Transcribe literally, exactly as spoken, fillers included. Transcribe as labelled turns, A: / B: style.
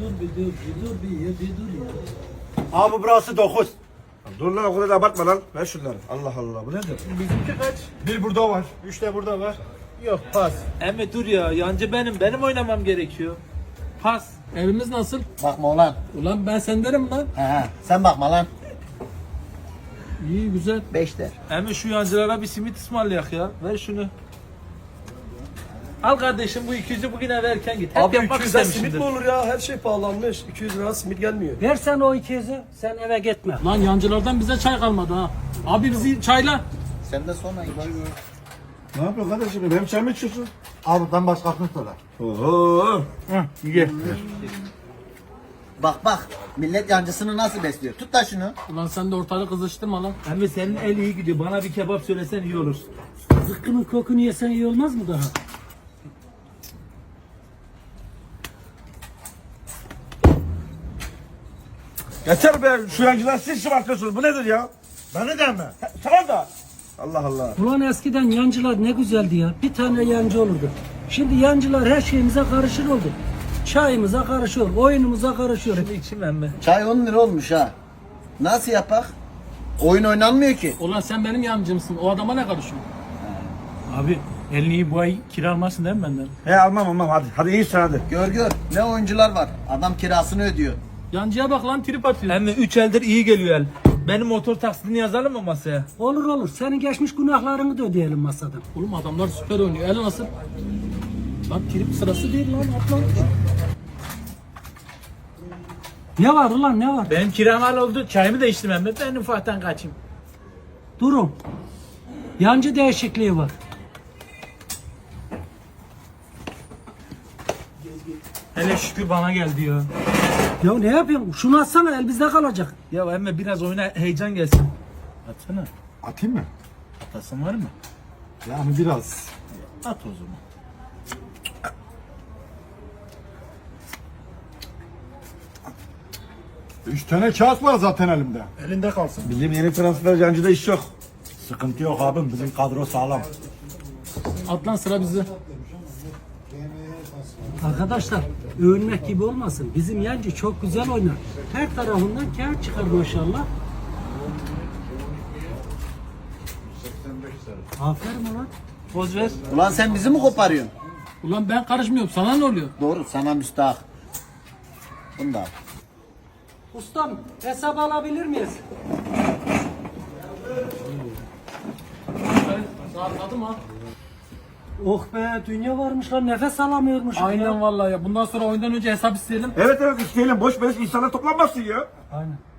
A: dur bir dur bir dur bir ya bir dur ya.
B: Abi burası dokuz.
C: Dur lan o kadar da abartma lan. Ver şunları. Allah Allah bu nedir?
A: Bizimki kaç?
B: Bir burada var. Üç de burada var.
A: Yok pas. Emme dur ya yancı benim benim oynamam gerekiyor. Pas.
D: Evimiz nasıl?
E: Bakma ulan.
D: Ulan ben sendenim lan.
E: He he. Sen bakma lan.
D: İyi güzel.
E: Beş der.
A: Emme şu yancılara bir simit ısmarlayak ya. Ver şunu. Al kardeşim bu iki yüzü bugüne verken git. Hep
F: Abi
A: yapmak
F: iki yüzden simit
A: istemişimdir.
F: mi olur ya? Her şey pahalanmış. iki yüz lira simit gelmiyor.
G: Versen o iki yüzü, sen eve gitme.
D: Lan yancılardan bize çay kalmadı ha. Abi bizi çayla.
E: Sen de sonra İbo'yu gör.
C: Ne yapıyorsun kardeşim? Benim çay mı içiyorsun?
B: Abi ben başkasını söyle.
C: Oho.
B: Ye.
E: Bak bak. Millet yancısını nasıl besliyor? Tut da şunu.
D: Ulan sen de ortalığı kızıştırma lan.
A: Emme senin el iyi gidiyor. Bana bir kebap söylesen iyi olur.
G: Zıkkının kokunu yesen iyi olmaz mı daha?
C: Yeter be şu yancılar siz şımartıyorsunuz. Bu nedir ya?
B: Beni de mi?
C: Tamam da. Allah Allah.
G: Ulan eskiden yancılar ne güzeldi ya. Bir tane yancı olurdu. Şimdi yancılar her şeyimize karışır oldu. Çayımıza karışıyor, oyunumuza karışıyor.
A: Şimdi içim emme.
E: Çay on lira olmuş ha. Nasıl yapak? Oyun oynanmıyor ki.
D: Ulan sen benim yancımsın. O adama ne karışıyorsun?
A: Abi elini iyi bu ay kira almazsın değil mi benden?
C: He almam almam hadi. Hadi iyisin hadi.
E: Gör gör. Ne oyuncular var. Adam kirasını ödüyor.
D: Yancıya bak lan trip atıyor.
A: Emme üç eldir iyi geliyor el. Benim motor taksidini yazalım mı masaya?
G: Olur olur. Senin geçmiş günahlarını da ödeyelim masadan.
D: Oğlum adamlar süper oynuyor. El nasıl? Lan trip sırası değil lan. At lan.
G: Ne var ulan ne var?
A: Benim kiram hal oldu. Çayımı da içtim emme. Ben ufaktan kaçayım.
G: Durun. Yancı değişikliği var.
A: Hele şükür bana geldi ya.
G: Ya ne yapıyorsun? Şunu atsana el bizde kalacak.
A: Ya emme biraz oyuna heyecan gelsin. Atsana.
B: Atayım mı?
A: Atasın var mı?
B: Yani biraz.
A: At o zaman.
B: Üç tane kağıt var zaten elimde. Elinde kalsın.
C: Bizim yeni transfer yancıda iş yok.
B: Sıkıntı yok abim. Bizim kadro sağlam.
D: At lan sıra bizde.
G: Arkadaşlar övünmek gibi olmasın. Bizim yancı çok güzel oynar. Her tarafından kağıt çıkar maşallah. Aferin ulan.
A: Poz ver.
E: Ulan sen bizi mi koparıyorsun?
D: Ulan ben karışmıyorum. Sana ne oluyor?
E: Doğru sana müstahak. Bunu da al.
G: Ustam hesap alabilir miyiz?
D: Rahatladım ha.
G: Oh be dünya varmış lan nefes alamıyormuş.
D: Aynen vallahi ya. Bundan sonra oyundan önce hesap isteyelim.
C: Evet evet isteyelim. Boş beleş insanlar toplanmasın ya.
G: Aynen.